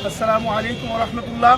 আসসালামু আলাইকুম ওয়া রাহমাতুল্লাহ।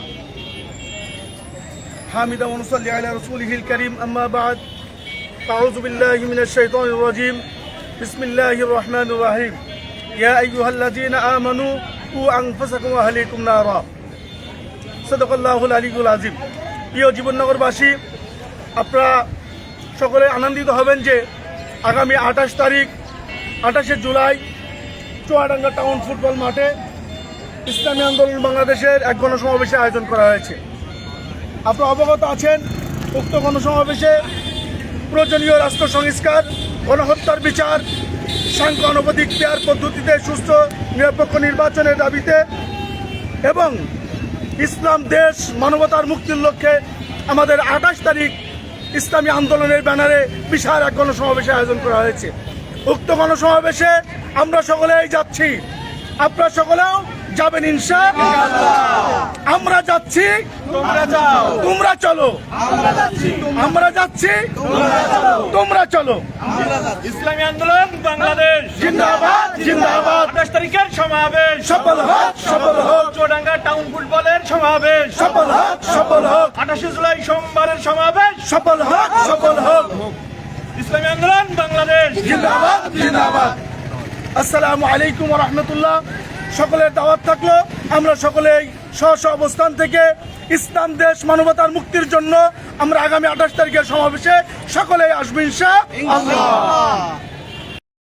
হামিদা ওয়া নুসাল্লি আলা রাসূলিহিল কারীম, আম্মা বা'দ। আউযু বিল্লাহি মিনাশ শাইতানির রাজীম। বিসমিল্লাহির রহমানির রহিম। ইয়া আইয়ুহাল্লাযীনা আমানু কু আনফুসাকুম ওয়া আহলিকুম নারা। সাদাকাল্লাহুল আলিয়্যুল আযীম। প্রিয় জীবননগরবাসী, আপনারা সকলে আনন্দিত হবেন যে আগামী 28 জুলাই চুয়াডাঙ্গা টাউন ফুটবল মাঠে ইসলামী আন্দোলন বাংলাদেশের এক গণসমাবেশের আয়োজন করা হয়েছে। আপনারা অবগত আছেন, উক্ত গণসমাবেশে প্রয়োজনীয় রাষ্ট্র সংস্কার, গণহত্যার বিচার, সাংখ্যানুপাতিক পদ্ধতিতে সুস্থ নিরপেক্ষ নির্বাচনের দাবিতে এবং ইসলাম দেশ মানবতার মুক্তির লক্ষ্যে আমাদের 28 তারিখ ইসলামী আন্দোলনের ব্যানারে বিশাল এক গণসমাবেশের আয়োজন করা হয়েছে। উক্ত গণসমাবেশে আমরা সকলেই যাচ্ছি, আপনারা সকলেও যাবেন ইনশাআল্লাহ। আমরা যাচ্ছি, তোমরা যাও, তোমরা চলো, আমরা যাচ্ছি, তোমরা চলো। ইসলামী আন্দোলন বাংলাদেশ জিন্দাবাদ, জিন্দাবাদ। 28 তারিখের সমাবেশ সফল হোক, সফল হোক, চুয়াডাঙ্গা টাউন ফুটবলের সমাবেশ সফল হোক, সফল হোক, 28 জুলাই সোমবারের সমাবেশ সফল হোক, সফল হোক। ইসলামী আন্দোলন বাংলাদেশ জিন্দাবাদ, জিন্দাবাদ। আসসালামু আলাইকুম ওয়া রাহমাতুল্লাহ। সকলের দাওয়াত থাকলো, আমরা সকলেই স্ব স্ব অবস্থান থেকে ইসলাম দেশ মানবতার মুক্তির জন্য আমরা আগামী 28 তারিখের সমাবেশে সকলেই আসবো ইনশাআল্লাহ।